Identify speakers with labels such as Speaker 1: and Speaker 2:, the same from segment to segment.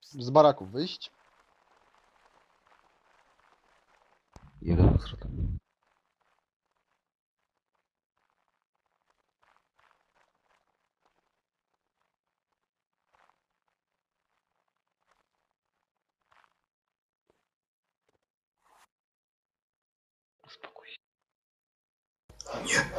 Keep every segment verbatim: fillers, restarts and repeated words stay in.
Speaker 1: Z baraków wyjść.
Speaker 2: Jeden wschód.
Speaker 3: Spokój się.
Speaker 4: Nie.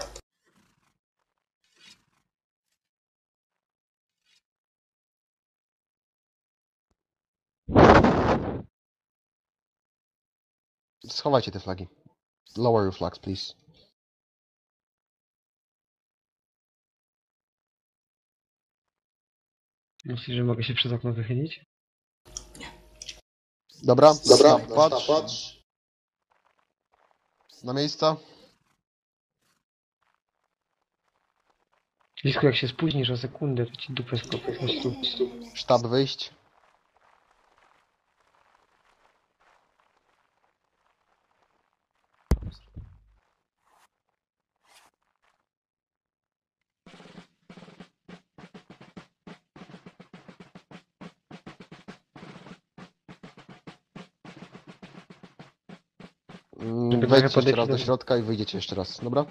Speaker 1: Schowajcie te flagi. Lower your flags, please.
Speaker 3: Myślisz, że mogę się przez okno wychylić?
Speaker 1: Dobra,
Speaker 4: Dobra,
Speaker 1: stop, patrz.
Speaker 4: patrz.
Speaker 1: Na miejsca.
Speaker 3: Lisku, jak się spóźnisz o sekundę, to ci dupę skopię. Chodź tu.
Speaker 1: Sztab wyjść. Mm,
Speaker 3: Żeby
Speaker 1: Wejdźcie
Speaker 3: trochę
Speaker 1: jeszcze raz
Speaker 3: podejść
Speaker 1: do
Speaker 3: do-
Speaker 1: środka i wyjdziecie jeszcze raz, dobra?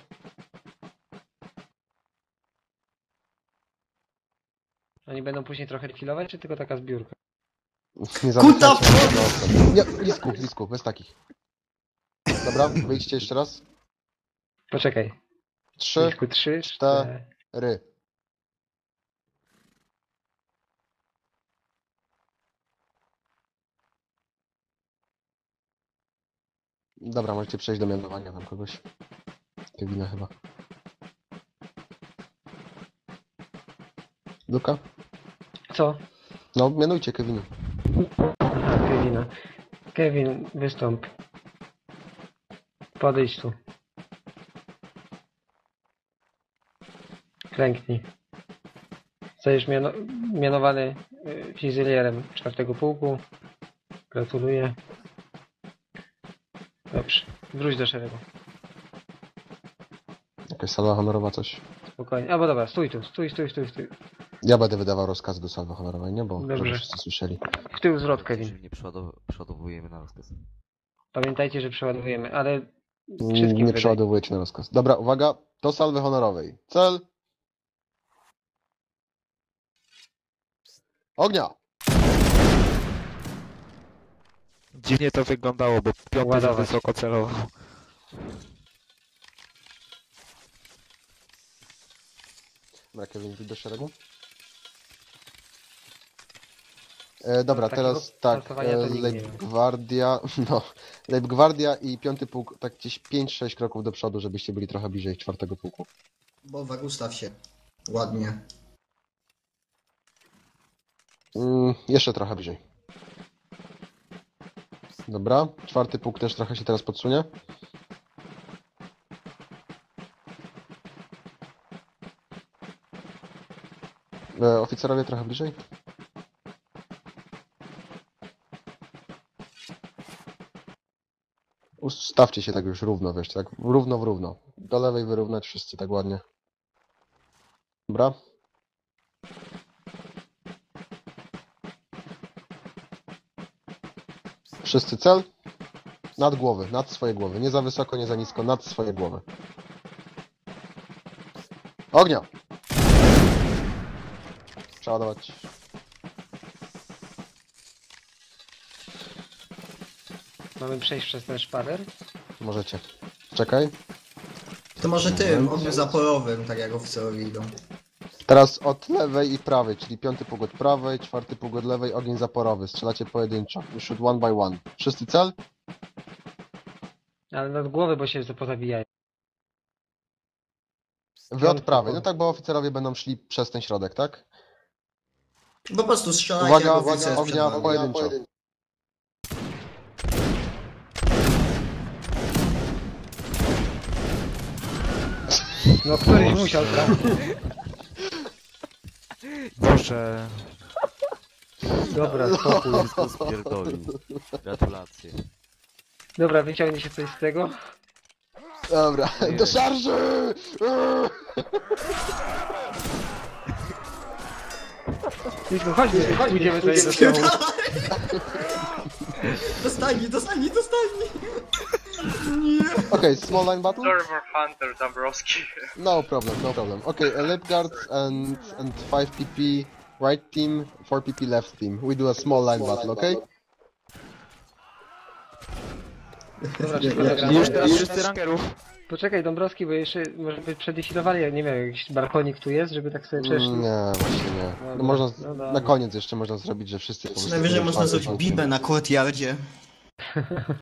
Speaker 3: Oni będą później trochę refilować, czy tylko taka zbiórka?
Speaker 1: Nie
Speaker 4: Kuta
Speaker 1: zamykajcie się do okna. Nie, lisku, lisku, bez takich. Dobra, wyjdźcie jeszcze raz.
Speaker 3: Poczekaj.
Speaker 1: Trzy,
Speaker 3: Lisku, trzy,
Speaker 1: cztery.
Speaker 3: cztery.
Speaker 1: ry. Dobra, możecie przejść do mianowania tam kogoś. Kevina chyba. Luka?
Speaker 3: Co?
Speaker 1: No, mianujcie Kevina.
Speaker 3: Aha, Kevina. Kevin, wystąp. Podejdź tu. Klęknij. Zostajesz miano mianowany y, fizylierem czwartego pułku. Gratuluję. Dobrze. Wróć do szeregu.
Speaker 1: Jakaś salwa honorowa, coś.
Speaker 3: Spokojnie. Albo dobra, stój tu. Stój, stój, stój, stój.
Speaker 1: Ja będę wydawał rozkazy do salwy honorowej, nie? Bo
Speaker 3: Dobrze.
Speaker 1: żeby wszyscy słyszeli.
Speaker 3: W tył zwrot, Kevin.
Speaker 2: Czyli nie przeładow przeładowujemy na rozkaz.
Speaker 3: Pamiętajcie, że przeładujemy, ale
Speaker 1: Mm,
Speaker 3: wszystkim
Speaker 1: Nie
Speaker 3: wydaje.
Speaker 1: przeładowujecie na rozkaz. Dobra, uwaga. Do salwy honorowej. Cel. Ognia!
Speaker 5: Dziwnie to wyglądało, bo piąty za
Speaker 3: Ładować.
Speaker 5: wysoko celował.
Speaker 1: Dobra, Kevin, wyjdź do szeregu. E, dobra,
Speaker 3: Takiego
Speaker 1: teraz tak,
Speaker 3: pracowania
Speaker 1: e,
Speaker 3: to nikt nie miał.
Speaker 1: Leibgwardia, no, Leibgwardia i piąty pułk, tak gdzieś pięć sześć kroków do przodu, żebyście byli trochę bliżej czwartego pułku.
Speaker 4: Bowa, ustaw się. Ładnie.
Speaker 1: Mm, jeszcze trochę bliżej. Dobra, czwarty pułk też trochę się teraz podsunie. E, oficerowie trochę bliżej. Ustawcie się tak już równo, wiesz, tak równo w równo. Do lewej wyrównać wszyscy tak ładnie. Dobra. Wszyscy cel? Nad głowy, nad swoje głowy. Nie za wysoko, nie za nisko, nad swoje głowy. Ognia! Przeładować.
Speaker 3: Mamy przejść przez ten szpaler.
Speaker 1: Możecie. Czekaj.
Speaker 4: To może tym, ogniu zaporowym, tak jak oficerowie idą.
Speaker 1: Teraz od lewej i prawej, czyli piąty pułk od prawej, czwarty pułk od lewej, ogień zaporowy. Strzelacie pojedynczo. You shoot one by one. Wszyscy cel?
Speaker 3: Ale nad głowę, bo się pozabijają.
Speaker 1: Wy od
Speaker 3: Piąty
Speaker 1: prawej.
Speaker 3: pułk.
Speaker 1: No tak, bo oficerowie będą szli przez ten środek, tak?
Speaker 4: Po prostu strzelajcie
Speaker 1: Uwaga,
Speaker 4: jak
Speaker 1: uwaga,
Speaker 4: oficer
Speaker 1: ognia
Speaker 4: przed wami.
Speaker 1: pojedynczo.
Speaker 3: No któryś musiał trafić.
Speaker 5: Boże.
Speaker 3: Dobra, spokój.
Speaker 2: Wszystko spierdolił. Gratulacje.
Speaker 3: Dobra, wyciągnie się coś z tego.
Speaker 1: Dobra,
Speaker 2: Nie.
Speaker 1: do szarży!
Speaker 3: Idźmy, chodźmy, pójdziemy sobie do tyłu.
Speaker 4: Dostani, dostani, dostani! Nie!
Speaker 1: Okay, small line battle?
Speaker 6: Server Hunter Dombrowski.
Speaker 1: No problem, no problem. Okay, uh, lip guards and and five P P right team, four P P left team. We do a small line battle, okay?
Speaker 3: Dobra,
Speaker 4: Nie,
Speaker 3: szybko
Speaker 4: nie,
Speaker 3: zagramy.
Speaker 5: już teraz wszyscy rankerów.
Speaker 3: Poczekaj, Dąbrowski, bo jeszcze może by przedefilowali, jak nie wiem, jakiś balkonik tu jest, żeby tak sobie przeszli.
Speaker 1: Nie, właśnie nie. No
Speaker 3: Dobra,
Speaker 1: można,
Speaker 3: no dobra.
Speaker 1: na koniec jeszcze można zrobić, że wszyscy po
Speaker 4: Czy
Speaker 1: prostu...
Speaker 4: najwyżej
Speaker 1: będą
Speaker 4: można
Speaker 1: czwarty
Speaker 4: zrobić
Speaker 1: są.
Speaker 4: bibę na courtyardzie.